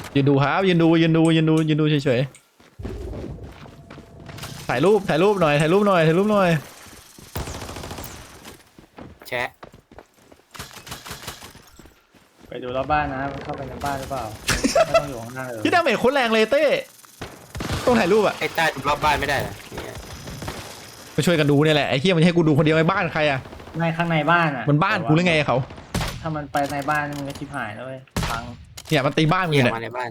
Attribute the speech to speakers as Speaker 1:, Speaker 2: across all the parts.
Speaker 1: ยืนดูครับยืนดูเฉยๆถ่ายรูปหน่อย
Speaker 2: แชะ
Speaker 3: ไปดูรอบบ้านนะเข้าไปในบ้านหรือเปล่าไม่ต้องอยู่ข้างหน้าเลย
Speaker 1: ที่ดาเมจโคตรแรงเลยเต้ต้องถ่ายรูปอะ
Speaker 2: ไอ้ใต้รอบบ้านไม่ได้เหรอเนี่ย
Speaker 1: มาช่วยกันดูเนี่ยแหละไอ้เหี้ยมันให้กูดูคนเดียวไอ้บ้านใครอะ
Speaker 3: ในข้างในบ้านอ่ะ
Speaker 1: มันบ้านกูหรือไงเขา
Speaker 3: ถ้ามันไปในบ้านมันก็ชิบหายแล้วเว้ยพัง
Speaker 1: เนี่ยมันตีบ้านมึงอ
Speaker 2: เกี่ย
Speaker 1: ยู่
Speaker 2: ว
Speaker 1: เนี่ย
Speaker 2: มาในบ้าน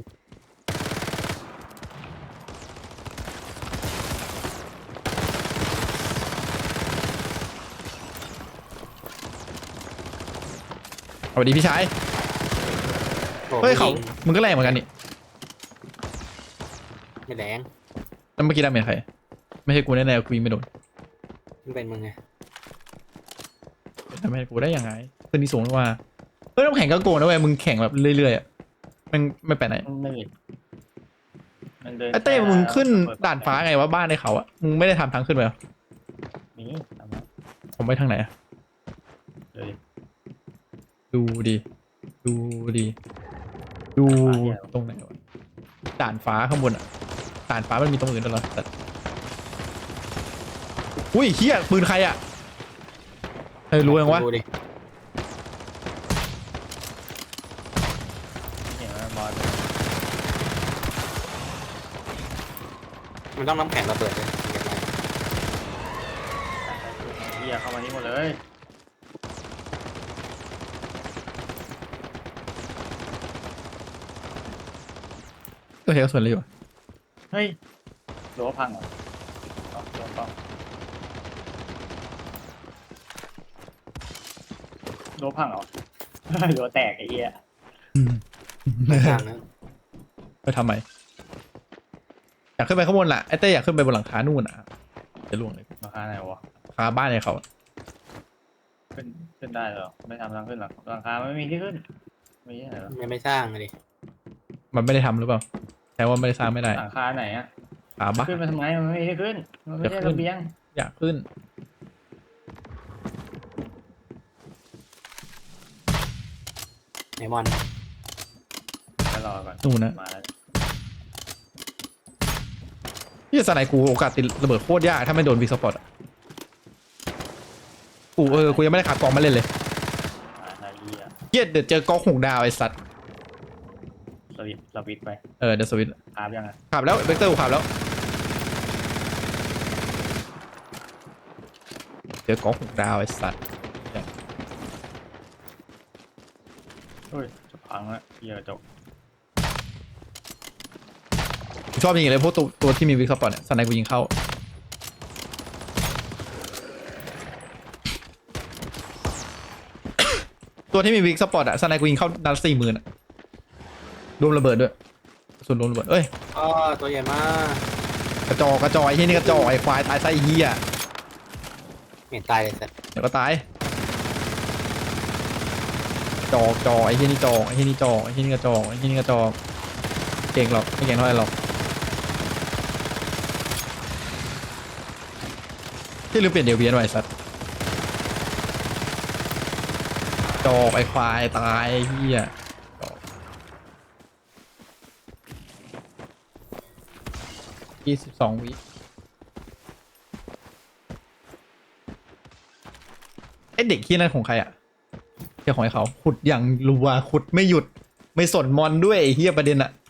Speaker 1: สวัสดีพี่ชาย
Speaker 2: โอ้
Speaker 1: เฮ้ยเขา
Speaker 2: ยิง
Speaker 1: มึงก็แรงเหมือนกันนี่
Speaker 2: ไม่แรง
Speaker 1: แล้วเมื่อกี้ดาเมจใครไม่ใช่กูแน่ๆกูยิงไม่โดน
Speaker 2: มันเป็นมึงไง
Speaker 1: ดาเมจกูได้ยังไงขึ้นที่สูงหรือว่าเฮ้ยต้องแข่งก็โกงนะเว้ยมึงแข่งแบบเรื่อยๆอะมันไม่ไปไหน
Speaker 3: มันไม่เห็นมันเดิน
Speaker 1: ไอ้เต้มึงขึ้นด่านฟ้าไงวะบ้านในเขาอะมึงไม่ได้ทำทางขึ้นไปเหรอ
Speaker 3: นี่ทำไม
Speaker 1: ผมไปทางไหนอะ
Speaker 3: เลย
Speaker 1: ดูดิดูดิดูตรงไหนวะด่านฟ้าข้างบนอะด่านฟ้ามันมีตรงอื่นด้วยเหรอแต่อุ้ยเฮียปืนใครอะเฮ้ยรู้ยังวะ
Speaker 2: ดูดิ
Speaker 3: เห็นไหมบอส
Speaker 2: มันต้องน้ำแข็งระเบิดเลยถึงจะได้
Speaker 3: เหี้ยเข้ามานี่หมดเลย
Speaker 1: ก็เฮียก็ส่วนเลยอยู่
Speaker 3: เฮ้ยรั้วพังเหรอเอารั้วพังรั้วพังเหรอ รั้วแตกไอ้เหี้ย
Speaker 2: ไม่ทางนะ
Speaker 1: ไปทำไมอยากขึ้นไปข้างบนล่ะไอ้เต้อยากขึ้นไปบนหลังคานู่นอ่ะจะล่วงเลย
Speaker 3: ราคาไหนวะ
Speaker 1: คาบ้านในเขา
Speaker 3: ขึ้นได้เหรอไม่ทำทางขึ้นหรอกหลังคาไม่มีที่ขึ้นมีที่ไหนหรอ
Speaker 2: ไม่สร้างเลย
Speaker 1: มันไม่ได้ทำหรือเปล่าแต่ว่าไม่ได้สร้างไม่ได้
Speaker 3: หลังคาไหนอะ
Speaker 1: คาบ้าน
Speaker 3: ขึ้นมาทำไมมันไม่มีที่ขึ้นมันไม่ใช่ระเบียง
Speaker 1: อยากขึ้น
Speaker 2: ไอมอน
Speaker 3: ไปรอก่อน
Speaker 1: นู่นนะ
Speaker 3: มาแล้ว
Speaker 1: ที่สไนกูโอกาสติดระเบิดโคตรยากถ้าไม่โดนวีสปอตกูยังไม่ได้ขากองมาเล่นเลย
Speaker 3: มาไอ้เหี้ย
Speaker 1: เฮียเดี๋ยวเจอกองหงดาวไอ้สัตว์
Speaker 3: สวิตช์ไป
Speaker 1: เดี๋ยวสวิตช์
Speaker 3: อาบยังอะ
Speaker 1: ขับแล้วเวกเตอร์กูขับแล้วเจอกองหงดาวไอ้สัตว์
Speaker 3: เฮ้ยจะพังแล้วเหี้ยจบ
Speaker 1: กูชอบยิงเลยพวกตัวที่มีวิกสปอตเนี่ยสไนกูยิงเข้าตัวที่มีวิกสปอตอะสไนกูยิงเข้านัด40,000อะรวมระเบิดด้วยส่วนรวมระเบิดเอ้ย
Speaker 2: อ๋อตัวใหญ่มาก
Speaker 1: กระจอกไอ้เฮียนี่กระจอกไอ้ควายตายไส้เฮีย
Speaker 2: เห็นตายเลยสัตว์
Speaker 1: เดี๋ยวก็ตายจอกไอ้เฮียนี่จอกไอ้เฮียนี่จอกไอ้เฮียนี่กระจอกไอ้เฮียนี่กระจอกเก่งหรอกไม่เก่งเท่าไหร่หรอกที่ลืมเปลี่ยนเดลเวียนไว้สัตว์จอกไอ้ควายตายไอ้เฮียจอก22 วิไอเด็กที่นั่นของใครอ่ะเจ้าของไอ้เขาขุดอย่างรัวขุดไม่หยุดไม่สนมอนด้วยไอ้เฮียประเด็นอ่ะ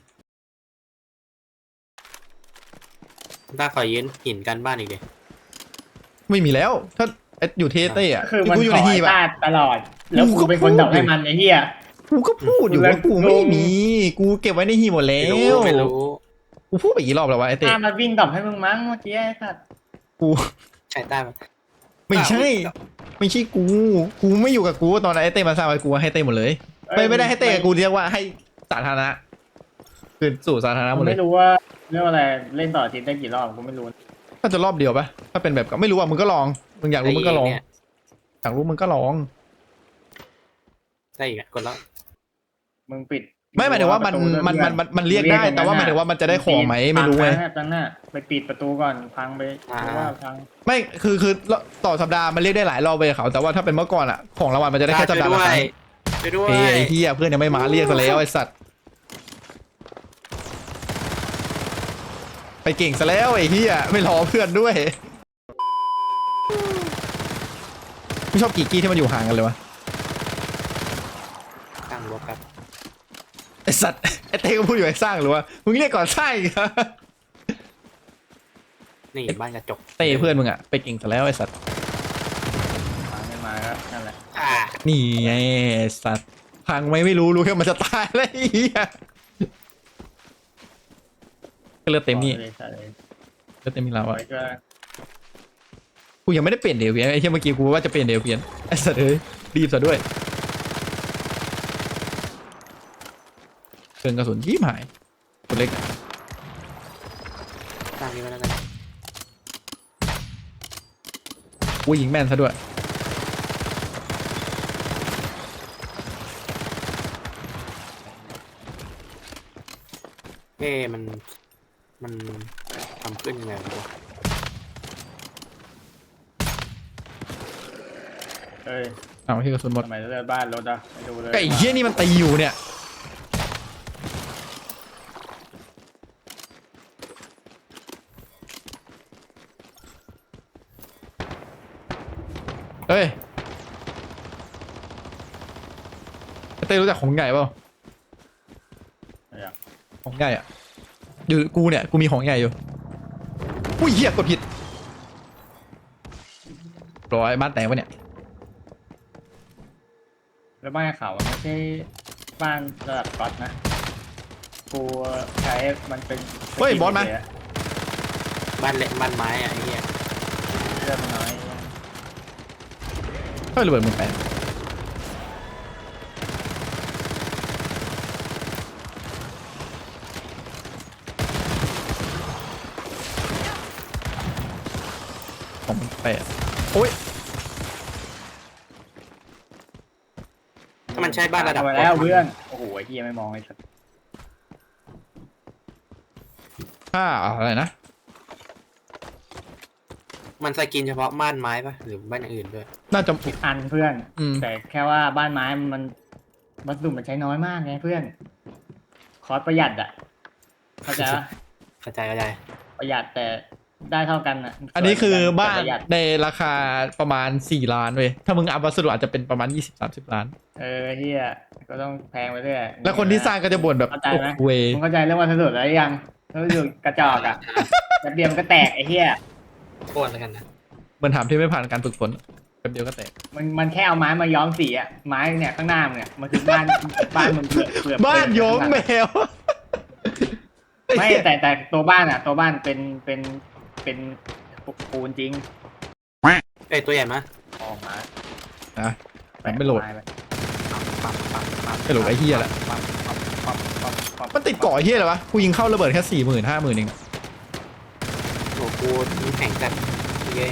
Speaker 2: ถ้าขอยืนหินกันบ้านอีกเดีย
Speaker 1: ไม่มีแล้วถ้าอยู่เทสเต้อะ
Speaker 3: คือมัน
Speaker 1: กูอยู่
Speaker 3: ข
Speaker 1: ใน
Speaker 3: อ
Speaker 1: ฮี
Speaker 3: ไอ้
Speaker 1: บอะ
Speaker 3: ตาตลอด แล้ว
Speaker 1: กูก็
Speaker 3: กูเป็นคน
Speaker 1: พูด
Speaker 3: ดอกให้มันไอ้เหี้ย
Speaker 1: กูก็พูดอยู่ว่ากูไม่มีกูเก็บไว้ในฮีบหมดแล้
Speaker 2: ไม่
Speaker 1: ว
Speaker 2: รู้
Speaker 1: กูพูดไปกี่รอบแล้ววะไอเต้
Speaker 3: ตามันวิ่งดอกให้มึงมั้งเมื่อกี้ไอ้สัตว์
Speaker 1: กู
Speaker 2: ใช่ใต้มัน
Speaker 1: ไม่ใช่กูไม่อยู่กับกูตอนนั้นไอเต้มาสร้างไว้กูให้เต้หมดเลยไม่ได้ให้เต้กับกูเรียกว่าให้สาธารณะคืนสู่สาธารณะหม
Speaker 3: กู
Speaker 1: ดเลย
Speaker 3: ไม่รู้ว่าเรื่องอะไรเล่นต่ออาทีได้กี่รอบกูไม่รู้
Speaker 1: ถ้าจะรอบเดียวปะถ้าเป็นแบบก็ไม่รู้อ่ะมึงก็ลองมึงอยากรู้มึงก็ลอง
Speaker 2: เนี่ย
Speaker 1: อยากรู้มึงก็ลอง
Speaker 2: ได้อีกอะกดแล้ว
Speaker 3: มึงปิด
Speaker 1: ไม่หมายถึงว่ามันเรียกได้แต่ว่าหมายถึงว่ามันจะได้ของไหมไม่รู้ไง
Speaker 3: ตั้งหน้าไปปิดประตูก่อนพังไปหรือว่าพัง
Speaker 1: ไม่คือต่อสัปดาห์มันเรียกได้หลายรอบไปเขาแต่ว่าถ้าเป็นเมื่อก่อนอะของรางวัลมันจะได้แค่สัปดาห์ละครั้ง
Speaker 2: ไปด้วย
Speaker 1: เฮ้ยไอ้เหี้ยเพื่อนยังไม่มาเรียกซะแล้วไอ้สัตว์ไปเก่งซะแล้วไอ้เหี้ยไม่รอเพื่อนด้วยไม่ชอบกีกี้ที่มันอยู่ห่างกันเลยวะ
Speaker 2: ตั้งรถครับ
Speaker 1: ไอสัตว์ไอเต้ก็พูดอยู่ไอ้สร้างหรือว่ามึงเรียกก่อนสร้างอีกเหรอ
Speaker 2: นี่บ้านกระจก
Speaker 1: เต้เพื่อนมึงอะไปเก่งซะแล้วไอสัตว์
Speaker 3: มาไม่มาก็นั่นแหละ
Speaker 2: อ่า
Speaker 1: นี่ไงไอ้สัตว์พังไหมไม่รู้แค่มันจะตายแล้วไอ้เหี้ยก็เลือดเต็มนี่
Speaker 3: ใช่เลย
Speaker 1: เลือดเต็มนี่แล้ว
Speaker 3: ไว้
Speaker 1: อะ
Speaker 3: ก็
Speaker 1: กูยังไม่ได้เปลี่ยนเดลเวียนไอ้เหี้ยเมื่อกี้กูว่าจะเปลี่ยนเดลเวียนไอ้สัตว์เอ้ยรีบซะด้วยเกินกระสุนยิ้มหายตัวเล็ก
Speaker 2: ตั้งนี้ไว้แล้วกัน
Speaker 1: กูยิงแม่นซะด้วย
Speaker 2: มันทำขึ้นยังไงวะ
Speaker 3: เอ้ย
Speaker 1: เอาที่กระสุนหมด
Speaker 3: ทำไมเลือดบ้านรถอ่ะไม่ดูเลย
Speaker 1: ก็ไอ้เหี้ยนี่มันตีอยู่เนี่ยเฮ้ยไอ้เต้รู้จักของใหญ่เปล่า
Speaker 3: อะไรอ่ะ
Speaker 1: ของใหญ่อะอยู่กูเนี่ยกูมีของใหญ่อยู่อุ้ยเหี้ยกดผิดร้อยบ้านแตกปะเนี่ย
Speaker 3: แล้วบ้านเขามันไม่ใช่บ้านระดับก๊อตนะกูใช้มันเป็น
Speaker 1: เฮ้ยบอสมา
Speaker 2: บ้านเละบ้านไม้อะไอ้เหี้ย
Speaker 3: เลือดมันน้อย
Speaker 1: เฮ้ยระเบิดมึงแปลของมึงแปลโอ้ย
Speaker 2: ถ้ามันใช้บ้านระดับ
Speaker 3: มาแล้วเพื่อนโอ้โหไอ้เหี้ยไม่มองไอ้สัส
Speaker 1: ค่าอะไรนะ
Speaker 2: มันสกินเฉพาะบ้านไม้ปะหรือบ้านอย่างอื่นด้วย
Speaker 1: น่าจะ
Speaker 3: อันเพื่อน
Speaker 1: อืม
Speaker 3: แต่แค่ว่าบ้านไม้มันวัสดุมันใช้น้อยมากไงเพื่อนคอสประหยัดอ่ะเข้าใจปะ
Speaker 2: เข้าใจ
Speaker 3: ประหยัดแต่ได้เท่ากันอ่ะ
Speaker 1: อันนี้คือบ้าน
Speaker 3: แต่ประหยัด
Speaker 1: ในราคาประมาณ4 ล้านเว้ยถ้ามึงอัพวัสดุอาจจะเป็นประมาณ20-30 ล้าน
Speaker 3: เฮียก็ต้องแพงไปเรื่อย
Speaker 1: แล้วคนที่สร้างก็จะบ่นแบบ
Speaker 3: เข้าใจไหม
Speaker 1: โอ้เวย
Speaker 3: มึงเข้าใจเรื่องวัสดุแล้วยังวัสดุกระจอกอ่ะแป๊บเดียวมันก็แตกไอ้เฮีย
Speaker 2: โคตรแล้วกันนะ
Speaker 1: เหมือนถามที่ไม่ผ่านการฝึกฝนแป๊บเดียวก็แตก
Speaker 3: มันแค่เอาไม้มาย้อมสีอ่ะไม้เนี่ยข้างหน้ามึงเนี่ยมันคือบ้านบ้านมึงเปลือก
Speaker 1: บ้านโยมแมว
Speaker 3: ไม่แต่ตัวบ้านอ่ะ ตัวบ้านเป็นปูนจริง
Speaker 2: เอ้ยตัวใหญ่มะ
Speaker 3: ออกมา
Speaker 1: นะไม่โหลด
Speaker 2: ปั๊บ
Speaker 1: ไม่โหลดไอ้เหี้ยแหละมันติดเกาะไอ้เหี้ยอะไรวะกูยิงเข้าระเบิดแค่40,000-50,000เอง
Speaker 2: โอ้กูมีแข่งกันเย้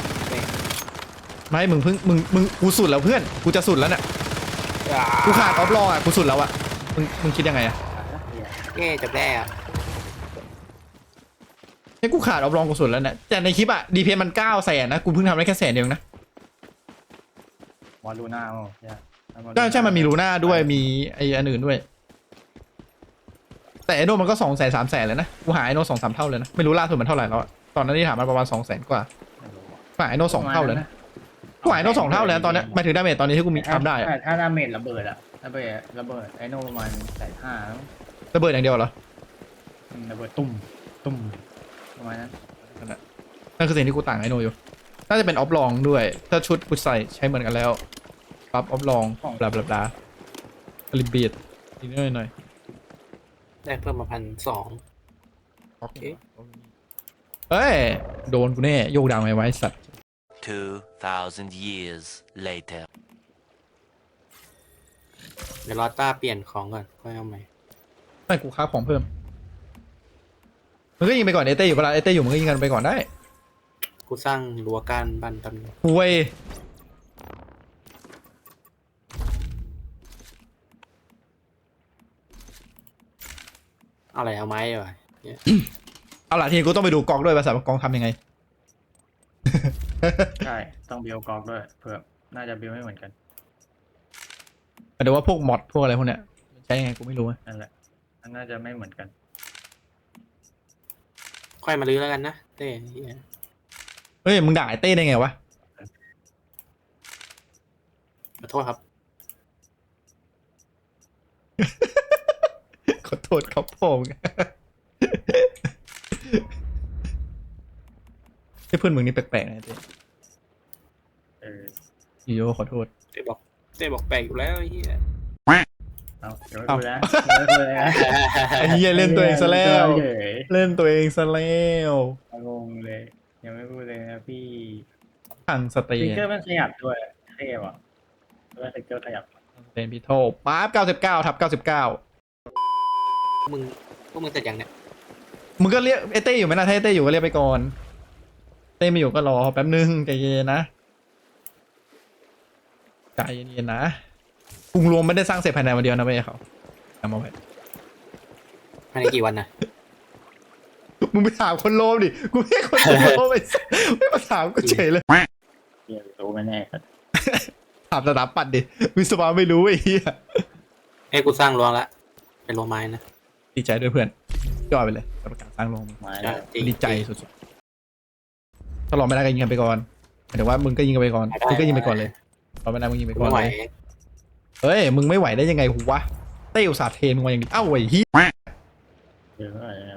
Speaker 1: ไม่มึงเพิ่งมึงกูสุดแล้วเพื่อนกูจะสุดแล้วเนี่ยกูขาดออฟลองอ่ะกูสุดแล้วอ่ะมึงคิดยังไงอ่ะ
Speaker 2: เย้จบแล้ว
Speaker 1: นี่กูขาดออฟลองกูสุดแล้วเนี่ยแต่ในคลิปอ่ะดีเพนมัน900,000นะกูเพิ่งทำได้แค่100,000เดียวนะ
Speaker 3: วอลลูน่าโอ้ย
Speaker 1: ใช่มันมีลูน่าด้วยมีไออันอื่นด้วย แต่ไอโนมันก็200,000-300,000เลยนะกูหาไอโน2-3 เท่าเลยนะไม่รู้ล่าสุดมันเท่าไหร่แล้วอะตอนนั้นที่ถามมันประมาณ200,000 กว่ากูหาไอโน2 เท่าเลยนะกูหาไอโน2 เท่าเลยนะตอนนี้หมายถึงดาเมจตอนนี้ที่กูมีทำได้อะ
Speaker 3: ถ้าดาเมจระเบิดอะระเบิดไอโนประมาณ150,000
Speaker 1: ระเบิดอย่างเดียวเหรอ
Speaker 3: ระเบิดตุ่มประมาณนั้น
Speaker 1: นั่นคือสิ่งที่กูต่างไอโนอยู่น่าจะเป็นออฟลองด้วยถ้าชุดกูใส่ใช้เหมือนกันแล้วปั๊บออฟลองบลาบลาบลาลิบีดนิดหน่อย
Speaker 2: ได้เพิ่มมา1,200
Speaker 1: โอเคเอ้ยโดนกูแน่โยกดังไว้สัตว์
Speaker 4: 2,000 years later.
Speaker 2: เดี๋ยวรอต้าเปลี่ยนของก่อนค่อยเอาใหม่
Speaker 1: ไม่กูค้าของเพิ่มมึงก็ยิงไปก่อนเอเต้อยู่เวลาเอเต้อยู่มึงก็ยิงกันไปก่อนได้
Speaker 2: กูสร้างรั้วกั้นบ้านตำรวจ
Speaker 1: ห่วย
Speaker 2: เอาอะไรเอาไม้เหรอ
Speaker 1: เอาล่ะทีนี้กูต้องไปดูกองด้วยภาษากองทำยังไง
Speaker 3: ใช่ต้องบิลกอกด้วยเผื่อน่าจะบิลไม่เหมือนกัน
Speaker 1: แต่ว่าพวกมอดพวกอะไรพวกเนี้ยใช้ยังไงกูไม่รู้อะ
Speaker 3: นั่นแหละน่าจะไม่เหมือนกัน
Speaker 2: ค่อยมาลื้อแล้วกันนะเต้เหี้ย
Speaker 1: เฮ้ยมึงด่าไอ้เต้ได้ไงวะ
Speaker 2: ขอโทษครับ
Speaker 1: ขอโทษครับผมไอ้เพื่อนมึงนี่แปลกๆนะเต้
Speaker 3: เออ
Speaker 1: โยขอโทษ
Speaker 2: เต้บอกแปลกอยู่แล้วไอ้เหี้ย
Speaker 3: เอาเดี๋ยวไม่พูดแล้วเดี๋ยวไม่พูดแล้ว
Speaker 1: ไอ้เหี้ยเล่นตัวเองซะแล้ว
Speaker 3: เฉย
Speaker 1: เล่นตัวเองซะแล้ว
Speaker 3: งงเลย ยังไม่พูดเลยนะพี่
Speaker 1: ทางสเต
Speaker 3: สติ๊ก
Speaker 1: น
Speaker 3: เกอร์มันขยับด้วยเท่ว่ะด้วยสติ๊กเกอร์ขยับ
Speaker 1: เป็นพิโทป๊าบ99/99
Speaker 2: พวกมึงเสร็จยังเนี่ย
Speaker 1: มึงก็เรียกไอ้เต้อยู่ไหมนะถ้าไอ้เต้อยู่ก็เรียกไปก่อนเต้ไม่อยู่ก็รอแป๊บนึงใจเย็นนะใจเย็นๆนะกรุงรวมไม่ได้สร้างเสร็จภายในวันเดียวนะเว้ยเขาจำเอาไว้
Speaker 2: ภายในกี่วันนะ
Speaker 1: มึงไปถามคนโลมดิกูไม่ใช่คนโลมไม่มาถามกูเฉยเลย
Speaker 3: เดี๋ยวรู้ไหมแน่ครับ
Speaker 1: ถามสถาปัตย์ดิวิศวะไม่รู้ไอ้เหี้ย
Speaker 2: เอ้ยกูสร้างรั้วละเป็นรั้วไม้นะ
Speaker 1: ดีใจด้วยเพื่อนยอดไปเลยกับการสร้างโรง
Speaker 3: มาแล้ว
Speaker 2: จริง
Speaker 1: ดีใจสุดๆถ้ารอไม่ได้ก็ยิงกันไปก่อนหมายถึงว่ามึงก็ยิงกันไปก่อนมึงก็ยิงไปก่อนเลยรอไม่ได้มึงยิงไป
Speaker 2: กู
Speaker 1: ก่อน
Speaker 2: ไม่ไหว
Speaker 1: เลยเฮ้ยมึงไม่ไหวได้ยังไงหูวะเต้อุตส่าห์เทมึงมาอย่างนี้เอ้าไอ้เหี้ย
Speaker 3: เดี๋ยวอะไรเอา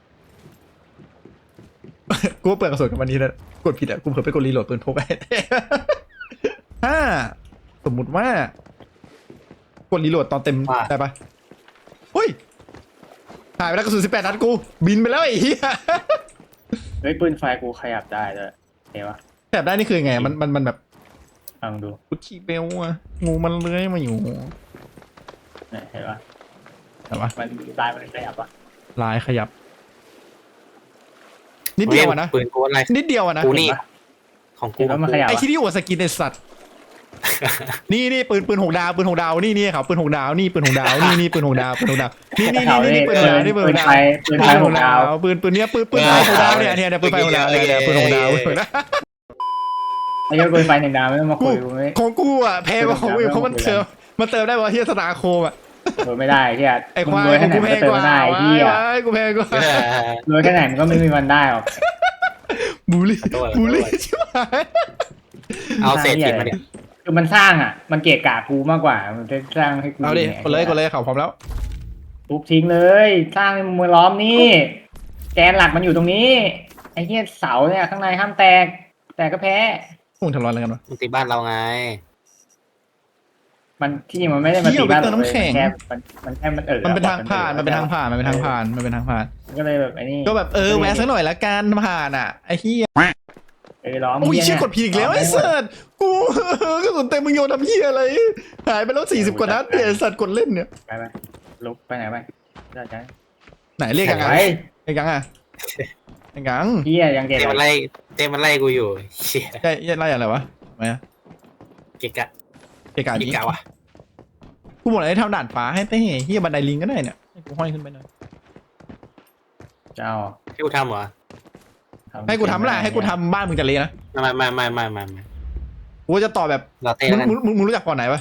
Speaker 1: กูเปิดกระสุนกับวันนี้แล้วกดผิดอ่ะกูเผลอไปกดรีโหลดปืนพกไอ้เต้ ถ้าสมมุติว่ากดรีโหลดตอนเต็มได้ปะเฮ้ยหายไปแล้วกระสุน18 นัดกูบินไปแล้วไอ้เหี้ย
Speaker 3: เฮ้ยปืนไฟกูขยับได้ด้วยเห็นปะ
Speaker 1: แถบได้นี่คือไงมันแบบ
Speaker 3: ลองดู
Speaker 1: กุชชี่เบลอะงูมันเลื้อยมาอยู่
Speaker 3: เนี่ยเห็นปะ
Speaker 1: แต่ว่า
Speaker 3: มันลายมันขยับปะ
Speaker 1: ลายขยับ นิดเดียวอะนะ
Speaker 2: ปืนกูอะไร
Speaker 1: นิดเดียวอะนะ
Speaker 2: กูนี่ของกู
Speaker 3: เห็นว่ามันขยับ
Speaker 1: ไอ้
Speaker 3: ปะ
Speaker 1: ที่นี่อวดสกินไอ้สัตว์ นี่ปืน6 ดาวปืน6 ดาวนี่ครับปืน6 ดาวนี่ปืน6 ดาวนี่ปืน6 ดาวปืน6 ดาวนี่ปืน6 ดาวนี่ปืน
Speaker 3: ปื
Speaker 1: 6
Speaker 3: น
Speaker 1: ดา
Speaker 3: ไฟ
Speaker 1: ว
Speaker 3: ปืนไฟของดาว
Speaker 1: ปืนเนี้ยปืนไฟ6 ดาวเนี่ยปืนไฟ6 ดาวเนี่ยปืน6 ดาว
Speaker 3: ไอ้เจ้าปืนไฟหนึ่งดาวไม่ต้องมาคุยกูไม่
Speaker 1: ของกูอะแพงกว่าของอื่นเพราะมันเติมได้ว่าเฮียสตาร์โคมอะ
Speaker 3: เออไม่ได้ที่
Speaker 1: ไอ้ควาย
Speaker 3: รวย
Speaker 1: ขอ
Speaker 3: แค่
Speaker 1: ง
Speaker 3: ไหน
Speaker 1: กู
Speaker 3: มัน
Speaker 1: แพ
Speaker 3: ก็
Speaker 1: ง
Speaker 3: เติม
Speaker 1: กว่า
Speaker 3: ไม่ได้ไอ้ที่อ่ะ
Speaker 1: กูแพงกว่าร
Speaker 3: วยแค่ไหนมันก็ไม่มีวันได้หรอก
Speaker 1: บูลลี่ใช่ไหม
Speaker 2: เอาเศษหินมาเนี่ย
Speaker 3: คือมันสร้างอ่ะ มันเกะกะกูมากกว่า มันจะสร้างให้กู
Speaker 1: เอาดิกดเลยเขาพร้อมแล้ว
Speaker 3: ทุบทิ้งเลย สร้างให้มือล้อมนี่ แกนหลักมันอยู่ตรงนี้ ไอ้เหี้ยเสาเนี่ยข้างในห้ามแตก แต่ก็แพ้
Speaker 1: พวกมึงทำร้อนอะไรกันวะ
Speaker 2: มึงตีบ้านเราไง
Speaker 3: มันที่จริงมันไม่ได้มา
Speaker 1: เหี้
Speaker 3: ตี
Speaker 1: ย
Speaker 3: บ้าน
Speaker 1: ไปเติมน้ำแข็ง
Speaker 3: มันแค่มัน
Speaker 1: มันเป็นทางผ่านมันเป็นทางผ่านมัน
Speaker 3: ก็เลยแบบไอ้นี่
Speaker 1: ก็แบบแวะสักหน่อยละกันผ่านอ่ะไอ้เหี้ย
Speaker 3: ล้อม
Speaker 1: โอ้ยเชี่ยกดผิดอีกแล้วไอ้สัตว์กูกระสุนเต็มมึงโยนทำเหี้ยอะไรหายไปแล้ว40 กว่านัดเนี่ยไอ้สัตว์กดเล่นเนี่ย
Speaker 3: ไปลุกไปไหนไปได้ใจ
Speaker 1: ไหนเรียกยังไง
Speaker 3: ไป
Speaker 1: เรียกยังอ่ะเรียกยัง
Speaker 3: เหี้ยยังเกะ
Speaker 2: เต้มันไล่เต้มันไล่กูอยู่เชี่ย
Speaker 1: ใช่ไล่อะไรวะทำไมอะ
Speaker 2: เกะกะ
Speaker 1: เกะกะ
Speaker 2: เกะ
Speaker 1: ดิ
Speaker 2: กะวะ
Speaker 1: กูบอกให้ทำด่านฟ้าให้เต้เหี้ยบันไดลิงก็ได้เนี่ยให้กูห้อยขึ้นไปหน่อย
Speaker 3: เจ้า
Speaker 2: ให้กูทำเหรอ
Speaker 1: ให้กูทำแหละให้กูทำบ้านมึงจะเละนะ
Speaker 2: ไม่
Speaker 1: กูจะต่อแบบ
Speaker 2: เราเต้แล้วกัน
Speaker 1: มึงรู้จักก่อนไหนปะ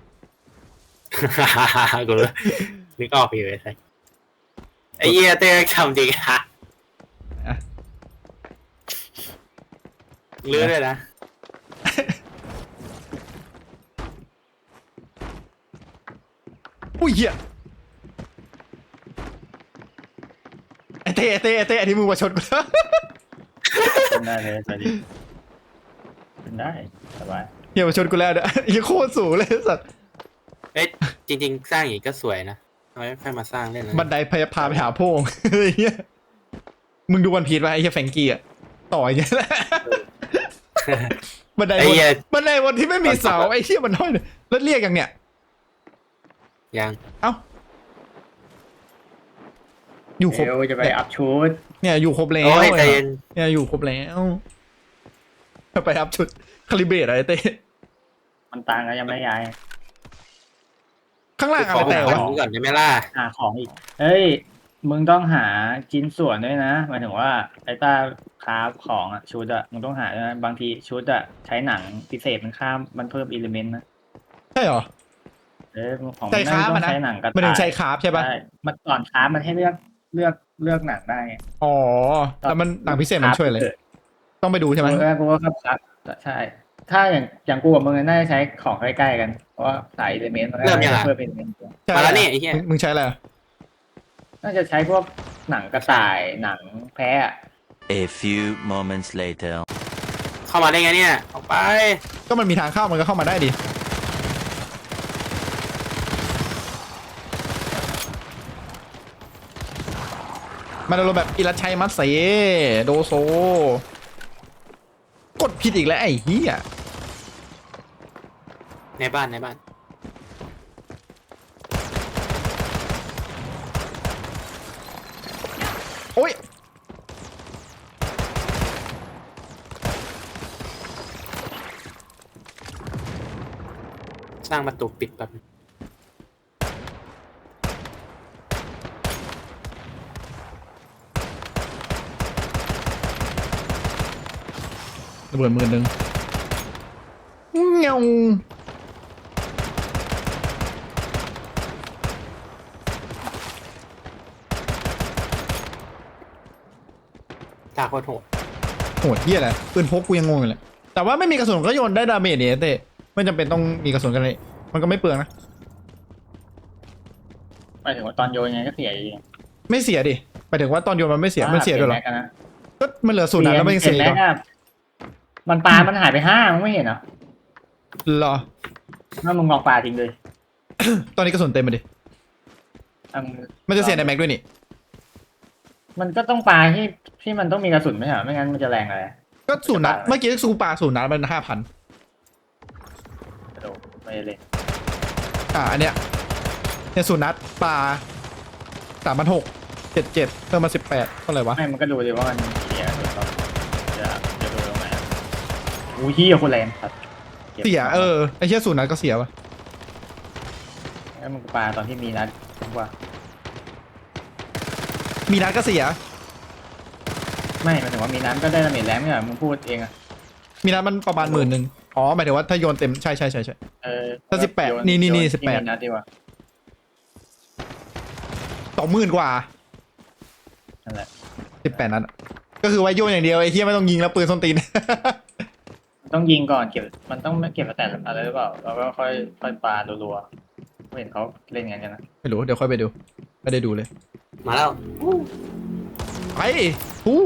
Speaker 2: กูรู้นึกออกอยู่ไอ้เหี้ยเต้ทำจริงฮะลื้อเลยนะ
Speaker 1: อุ้ยเหี้ยไอ้เต้อันนี้มึงมาชนกู
Speaker 3: เป็นได้เลยสวัสดีเป็นได้สบาย
Speaker 1: เหี้ยมาชนกูแล้วเนี่ยยังโคตรสูงเลยสัตว์
Speaker 2: เอ้ยจริงๆสร้างอย่างนี้ก็สวยนะทำไมไม่ค่อยมาสร้างเล่นเลย
Speaker 1: บันไดพาไปหาโพง ไอ้เหี้ยมึงดูวันพีชป่ะไอ้เหี้ยแฟรงกี้อะต่ออย่างเงี้ยแหละบันได
Speaker 2: ไอ้
Speaker 1: บน
Speaker 2: เหี้ย
Speaker 1: บันไดบนที่ไม่มีเสาไอ้เหี้ยมันห้อยเลยแล้วเรียกยังเนี่ย
Speaker 2: ยัง
Speaker 1: เอ้าอยู่ครบ
Speaker 3: เดี๋ยวจะไปอัพชุด
Speaker 1: เนี่ยอยู่ครบแล้ว
Speaker 2: โอ้ยใจเย็น
Speaker 1: เนี่ยอยู่ครบแล้วไปรับชุดคาลิเบรตอะไรเต้
Speaker 3: มันต่างกันยังไม่ย้าย
Speaker 1: ข้างล่าง
Speaker 2: ข
Speaker 1: อะ
Speaker 2: อ
Speaker 1: ไร
Speaker 2: ผม
Speaker 1: แต่
Speaker 2: ขอ
Speaker 1: วะ
Speaker 2: ดูก่อนได้ไหมล่ะ
Speaker 3: หาของอีก เฮ้ย มึงต้องหาชิ้นส่วนด้วยนะหมายถึงว่าไอ้ต้าคราฟของอะชุดอะมึงต้องหาด้วยนะบางทีชุดอะใช้หนังพิเศษมันข้ามมันเพิ่มอิเลเมนต์นะ
Speaker 1: ใช่เหรอ
Speaker 3: ของ
Speaker 1: ใช้คราฟ
Speaker 3: ต้
Speaker 1: อะ
Speaker 3: อง
Speaker 1: นะ
Speaker 3: ใช้หนังกระ
Speaker 1: มันถึง
Speaker 3: ต่าย
Speaker 1: ใช้คราฟใช่ปะ
Speaker 3: ใช่มันก่อนคราฟมันให้เลือกเลือกหนังได้ไง
Speaker 1: อ๋อแล้วมันหนังพิเศษมันช่วยอะไรต้องไปดูใช่ไหม
Speaker 3: กูก็ครับใช่ ถ้าอย่างกูกับมึงน่าจะใช้ของใกล้ๆกันเพราะว่าสายอิเลเมนต์มันก็จะเพิ่มเป็น
Speaker 1: ใช่
Speaker 2: มาแล้วนี่ไอ้เหี้ย
Speaker 1: มึงใช้อะไรอะ
Speaker 3: น่าจะใช้พวกหนังกระต่ายหนังแพะอะ
Speaker 4: A few moments later.
Speaker 2: เข้ามาได้ไงเนี่ยออกไป
Speaker 1: ก็มันมีทางเข้ามันก็เข้ามาได้ดิมันอารมณ์แบบอิรัชัยมัตเสโดโซ กดผิดอีกแล้วไอ้เหี้ย
Speaker 2: ในบ้านในบ้าน
Speaker 1: โอ้ย
Speaker 2: สร้างประตูปิดแบบ
Speaker 1: ระเบิด10,000เงา
Speaker 2: ตาโคตรโหด
Speaker 1: โหดเหี้ยอะไรปืนพกกูยังงงอยู่เลยแต่ว่าไม่มีกระสุนก็โยนได้ดาเมจเนี่ยเต้ไม่จำเป็นต้องมีกระสุนกันเลยมันก็ไม่เปลืองนะ
Speaker 3: หมายถึงว่าตอนโยนยังไงก็เสียอยู่ดี
Speaker 1: ไม่เสียดิหมายถึงว่าตอนโยนมันไม่เสียมันเสียด้วยเหรอ
Speaker 3: ปลี่นแม็กกันนะ
Speaker 1: ก็มันเหลือศูนย์นัดแล้วมันยังเสียอีก
Speaker 3: ปลี่
Speaker 1: เหร
Speaker 3: น
Speaker 1: อ
Speaker 3: แม็กอะมันปลามันหายไป5มึงไม่เห็นเหรอ
Speaker 1: เหรอ
Speaker 3: ถ้ามึงลองปลาทิ้งเลย
Speaker 1: ตอนนี้กระสุนเต็มไปดิ
Speaker 3: อ่ะง
Speaker 1: มันจะเสียในแม็กด้วยนี่
Speaker 3: มันก็ต้องปลาที่มันต้องมีกระสุนไม่ใช่เหรอไม่งั้นมันจะแรงอะไร
Speaker 1: ก็ศูนย์นัดเมื่อกี้ซูปาศูนย์นัดมัน5,000
Speaker 3: กระโดดไม่ได้เลย
Speaker 1: อันเนี้ยเนี่ยศูนย์นัดปลา3,600 77เพิ่มมา18เท่าไหร่วะ
Speaker 3: ไม่มันก็ดูดิว่ามันเสียหรือเปล่าจะดูตรงไหนอู้ยี่คนแรงครับก็บ
Speaker 1: เสียไอ้เชี่ยศูนย์นัดก็เสียวะ
Speaker 3: แล้วมึงปลาตอนที่มีนัดผมว่า
Speaker 1: มีนัดก็เสีย
Speaker 3: ไม่หมายถึงว่ามีนัดก็ได้ดาเมจแรงไม่ใช่เหรอมึงพูดเองอะ
Speaker 1: มีนัดมันประมาณ10,000อ๋อหมายถึงว่าถ้าโยนเต็มใช่ ถ้า18
Speaker 3: โย
Speaker 1: นี่
Speaker 3: โย
Speaker 1: 18
Speaker 3: ที่มีนัดดีกว่า
Speaker 1: 20,000กว่า
Speaker 3: นั่นแหละ
Speaker 1: 18นัดอะก็คือไว้โยนอย่างเดียวไอ้เหี้ยไม่ต้องยิงแล้วปืนส้นตีน
Speaker 3: ต้องยิงก่อนเก็บมันต้องเก็บแต่อะไรหรือเปล่าแล้วก็ค่อยปลารัวๆไม่เห็นเขาเล่นกันนะ
Speaker 1: ไม่รู้เดี๋ยวค่อยไปดูไม่ได้ดูเลย
Speaker 2: มาแล้ว
Speaker 1: ไปฮู้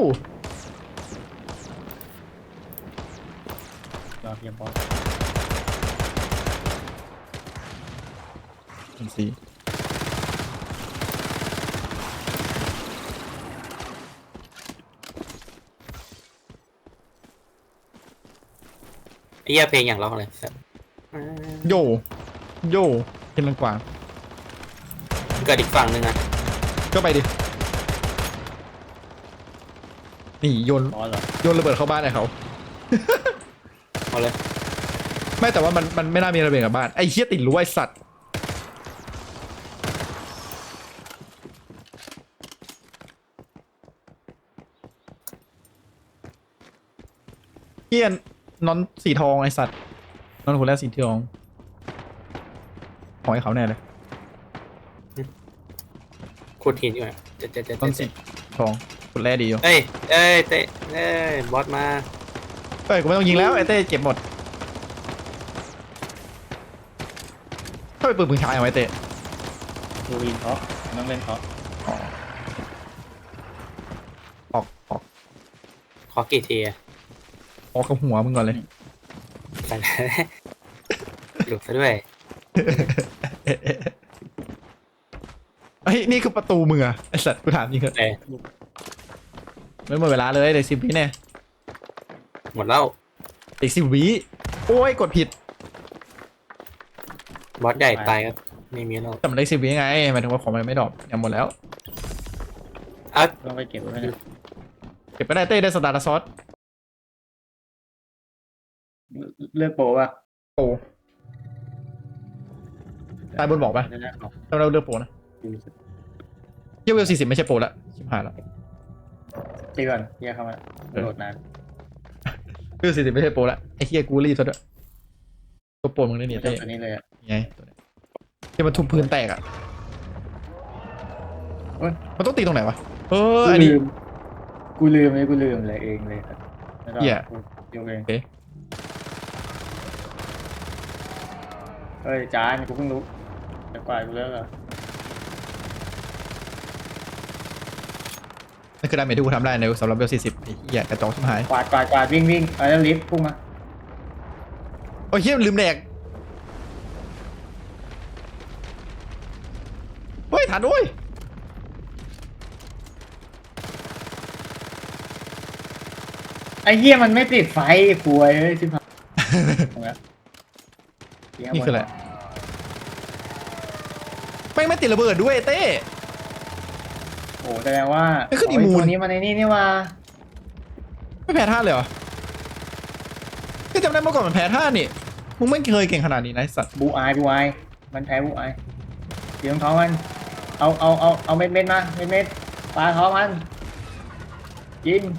Speaker 3: รอเพียงพอ
Speaker 1: สี
Speaker 2: ไอ้เหี้ยเพลงอย่างร้องเลยสัส
Speaker 1: โยโยเป็นลังกวาง
Speaker 2: เกิดอีกฝั่งหนึ่งอะ
Speaker 1: ก็ไปดินี่โยน
Speaker 3: พอเหรอ
Speaker 1: โยนระเบิดเข้าบ้านไอ้เขา
Speaker 2: เอาเลย
Speaker 1: ไม่แต่ว่ามันไม่น่ามีระเบิดกับบ้านไอ้เหี้ยติดรั้วไอ้สัตว์เหี้ยนอนสีทองไอ้สัตว์นอนคนแรกสีทองของไอ้เขาแน่เลย
Speaker 2: ขุดหินอยู่อะเจ๊
Speaker 1: นอนสีทองคนแรกดีอยู่
Speaker 2: เอ้ยเตะบอสมา
Speaker 1: เฮ้ยกูไม่ต้องยิงแล้วไอ้เต้เก็บหมดถ้าไปปืนปืนชายเอาไว้เต้
Speaker 3: ดูวินเพราะต้องเล่นเพราะ
Speaker 1: ออก
Speaker 2: ขอกี่ทีอะ
Speaker 1: ออกกับหัวมึงก่อนเลย
Speaker 2: ไปแล้วหลุดซะด้วย
Speaker 1: เฮ้ยนี่คือประตูมึงอะไอสัตว์กูถามจริงเถอะ
Speaker 2: เอ้ย
Speaker 1: ไม่หมดเวลาเลยเด็ก10 วิแน่
Speaker 2: หมดแล้ว
Speaker 1: เด็ก10 วิโอ้ยกดผิด
Speaker 2: บอสใหญ่ตายก็ไม่มีแล้ว
Speaker 1: แต่มันเด็ก10 วิไงหมายถึงว่าของมันไม่ดรอปยังหมดแล้ว
Speaker 2: อ่ะ
Speaker 3: ต้องไปเก็บไว้นะ
Speaker 1: เก็บไปได้เต้ได้สตาร์ทซอส
Speaker 3: เลือกโปรป่ะ
Speaker 1: โปรตายบนบอกปะ
Speaker 3: ได้แล้ว
Speaker 1: ถ้าเราเลือกโปรนะเยี่ยเวล40ไม่ใช่โปรละชิบหายละ
Speaker 3: ตีก่อนแยกเข้ามาโหลดนาน
Speaker 1: เวล40ไม่ใช่โปรละไอ้เฮียกูรีบซะด้วยตัวโปรมึงได้เนี่ย
Speaker 3: เจ้า
Speaker 1: เต้
Speaker 3: ตัวนี้เลยอ่ะ
Speaker 1: ไงตัวเนี้ยที่มันทุบพื้นแตกอะ
Speaker 3: เอ้ย
Speaker 1: มันต้องตีตรงไหนวะเออ
Speaker 3: กู
Speaker 1: อันนี้
Speaker 3: ลืมกูลืมเลยเองเลยครับไม่ต้อง
Speaker 1: เหี้ย
Speaker 3: กูยกเอง
Speaker 1: โอเค
Speaker 3: เฮ้ยจานกูเพิ่งรู้แต่กว่ากูแล้วเหรอ
Speaker 1: นั่นคือดาเมจที่กูทำได้ในสำหรับเวล40ไอ้เหี้ยกระจอกชิบหาย
Speaker 3: กวาดวิ่งแล้วลิฟต์พุ่งมา
Speaker 1: โอ้ยเหี้ยลืมแดกเฮ้ยทันด้วย
Speaker 3: ไอ้เหี้ยมันไม่ติดไฟป่วยเลยชิบหายตรงนี้
Speaker 1: นี่คืออะไรไม่ติดระเบิดด้วยเต้
Speaker 3: โอ้แสดงว่า
Speaker 1: นี่คืออีมูน
Speaker 3: ตัวนี้มันในนี่ว่า
Speaker 1: ไม่แพ้ท่าเลยเหรอก็จำได้เมื่อก่อนมันแพ้ท่านี่มึงไม่เคยเก่งขนาดนี้นะไอ้สัตว์
Speaker 3: บูอายมันแพ้บูอายเดี๋ยวท้องมันเอาเม็ดมาเม็ดปลาท้องมันยิง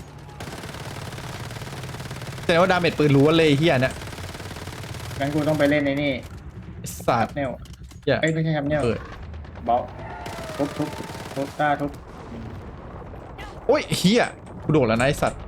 Speaker 1: แสดงว่าดาเมจปืนรู้ว่าเลยไอ้เหี้ยเนี่ย
Speaker 3: งั้นกูต้องไปเล่นในนี่
Speaker 1: ไอ้สัตว์
Speaker 3: เนล
Speaker 1: เหี้ย
Speaker 3: เอ้ยไม่ใช่ครับเนล
Speaker 1: เออ
Speaker 3: เบาทุบต้าทุบ
Speaker 1: โอ้ยเหี้ยกูโดดแล้วนะไอ้สัตว์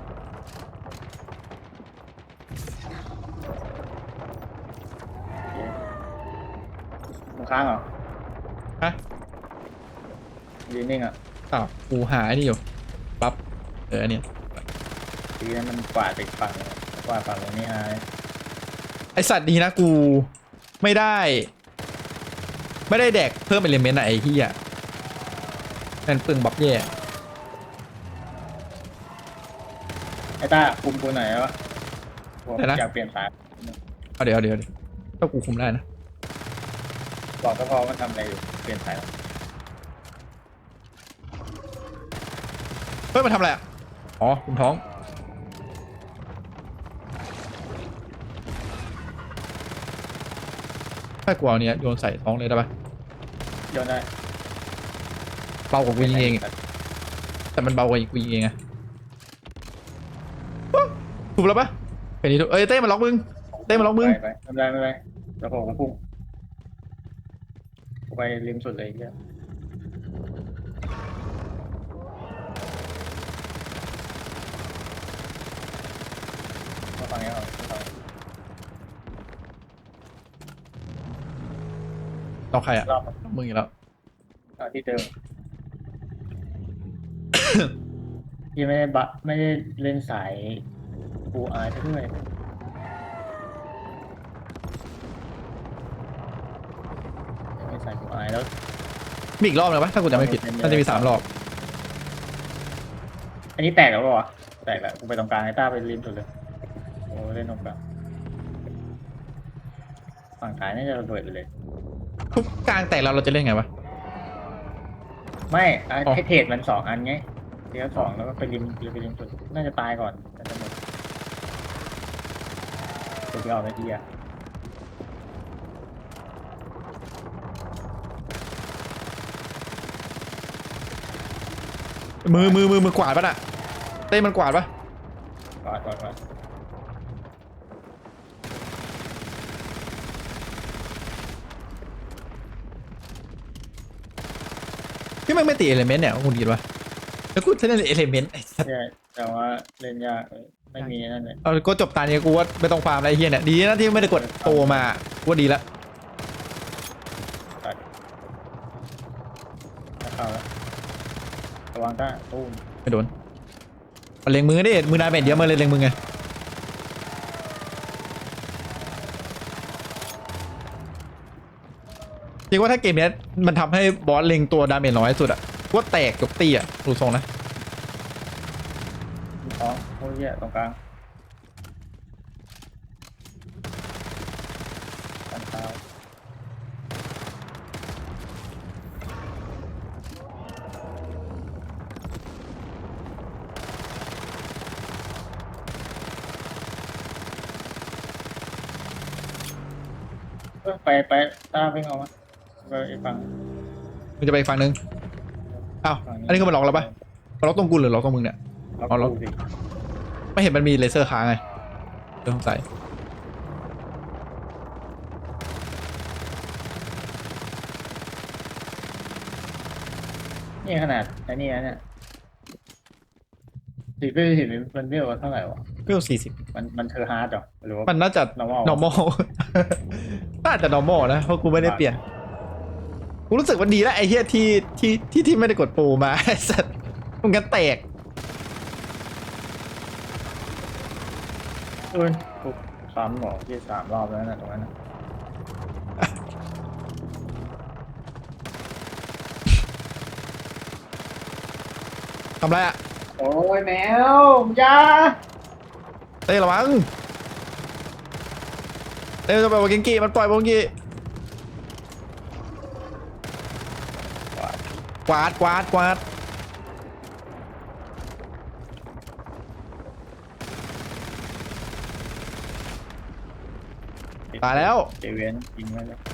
Speaker 3: มึงค้างเหรอ
Speaker 1: ฮะ
Speaker 3: ยืนนิ่งอ่ะ
Speaker 1: อ้าวกูหาไอ้นี่อยู่ปั๊บอันเนี้ย
Speaker 3: ทีนั้นมันกวาดไปฝั่งเลยกวาดฝั่งตรงนี้อาย
Speaker 1: ไอสัตว์ดีนะกูไม่ได้แดกเพิ่มเอลิเมนต์อะไอ้เหี้ยนั่นปึงบับแย่
Speaker 3: ไอ้ต้าคุมกูหน่อยวะผมอยากเปลี่ยนสาย
Speaker 1: เอาเดี๋ยวถ้ากูคุมได้นะ
Speaker 3: บอกก็พอมันทำอะไรอยู่เปลี่ยนสายแล้ว
Speaker 1: เฮ้ยมันทำอะไรอ่ะอ๋อคุมท้องถ้ากูเอาเนี้ยโยนใส่ท้องเลยได้ปะ
Speaker 3: โยนได้
Speaker 1: เบากว่ากูยิงเองอะแต่มันเบากว่ากูยิงเองอะถูกแล้วปะเป็นนี้ถูกเอ้ยเต้มาล็อกมึงเต้มาล็อกมึง
Speaker 3: ไปไม่เป็นไรแล้วผมพุ่งไปริมสุดเลยเนี่ยมาฟังนี้ก่อนฟัง
Speaker 1: ล็อกใครอ่ะ
Speaker 3: รอบ
Speaker 1: มึงอีกแล้ว
Speaker 3: ที่เดิม ยังไม่ได้เล่นสายปูอายด้วยไม่ใส่ปูอายแล้ว
Speaker 1: มีอีกรอบเลยปะถ้ากูจำไม่ผิดน่าจะมี3 รอบ
Speaker 3: อันนี้แตกแล้วเปล่าวะแตกแล้วกูไปตรงกลางไอ้ต้าไปริมสุดเลยโอ้เล่นตรงกลางฝั่งซ้ายน่าจะระเบิดไปเลย
Speaker 1: ทุกกลางแตกเราจะเล่นไงวะ
Speaker 3: ไม่อ่ะ
Speaker 1: อ๋อ
Speaker 3: ให้เทรดมัน2 อันไงเดี๋ยว2แล้วก็ไปริมสุดน่าจะตายก่อนน่าจะหมดสุดยอดไปทีอ่ะ
Speaker 1: มือกวาดปะน่ะเต้มันกวาดปะ
Speaker 3: ก่อน
Speaker 1: พี่มันไม่ติดเอลิเมนต์เนี่ยคุณดีปะแล้วกูจะเล่นเอลิเมนต์ไอ้สัส
Speaker 3: ใช่แต่ว่าเล่นยากเลยไม่มีนั่นเลย
Speaker 1: เอาก็จบตาเนี้ยกูว่าไม่ต้องฟาร์มอะไรเฮียเนี่ยดีนะที่ไม่ได้กดโตมากูว่าดีละ
Speaker 3: ตัดถ้าเข้าแล้วระวังต้าตู้ม
Speaker 1: ไม่โดนเอาเล็งมือดิมือนายเป็นเดียวมาเลยเล็งมือไงจริงว่าถ้าเกมเนี้ยมันทำให้บอสเล็งตัวดาเมจน้อยสุดอะกูว่าแตกจบตีอะดูทรงนะ
Speaker 3: มีท้องโอ้ยแย่ตรงกลางตันเท้าไปต้าวิ่งออกมาไปอีกฝั่ง
Speaker 1: มันจะไปอีกฝั่งนึงอ้าวอันนี้คือมันล็อกแล้วปะมันล็อกตรงกูหรือล็อกตรงมึงเนี่ย เอาแล้ว
Speaker 3: ตู้สิ
Speaker 1: ไม่เห็นมันมีเลเซอร์ค้างไงเรื่องสงสัย
Speaker 3: นี่ขนาดไอ้นี่นะเนี่ยสีไปเห็นมันเรียกว่าเท่าไหร่วะ
Speaker 1: เพิ่ม40
Speaker 3: มันเธอฮาร์ดเหรอหรือว่า
Speaker 1: มันน่าจะ
Speaker 3: normal
Speaker 1: normal น่าจะ normal นะเพราะกูไม่ได้เปลี่ยนกูรู้สึกว่าดีแล้วไอ้เหี้ยที่ไม่ได้กดโปรมา ไอ้สัตว์มันกันแตก
Speaker 3: เอ้ยกูซ้ำหรอที่3 รอบแล้วนะตรงนั้นนะ
Speaker 1: ทำไรอะ
Speaker 3: โอ้ยแมวอยา
Speaker 1: เต้ระวังเต้จะไปวาเกงกีมันปล่อยวาเกงกีกวาดตายแล้ว
Speaker 3: เจเวียนยิงไว้แล้ว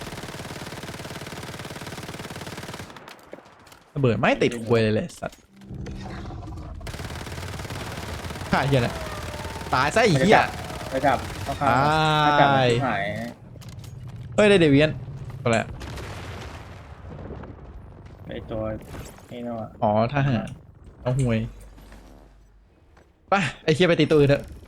Speaker 1: ระเบิดไม่ติดควยเลยสัตว์ฆ่าเหี้ยนะตายซะไอ้เหี้ย
Speaker 3: ไปจับเข้าข้าง
Speaker 1: ตาย
Speaker 3: ถ้าจับมันชิบหาย
Speaker 1: เฮ้ยได้เดเวียนก็แล้ว
Speaker 3: ไอตัวนี่เนาะ
Speaker 1: อ๋อทหารเอาห่วยไปไอ้เหี้ยไปตีตัวอื่นเถอะ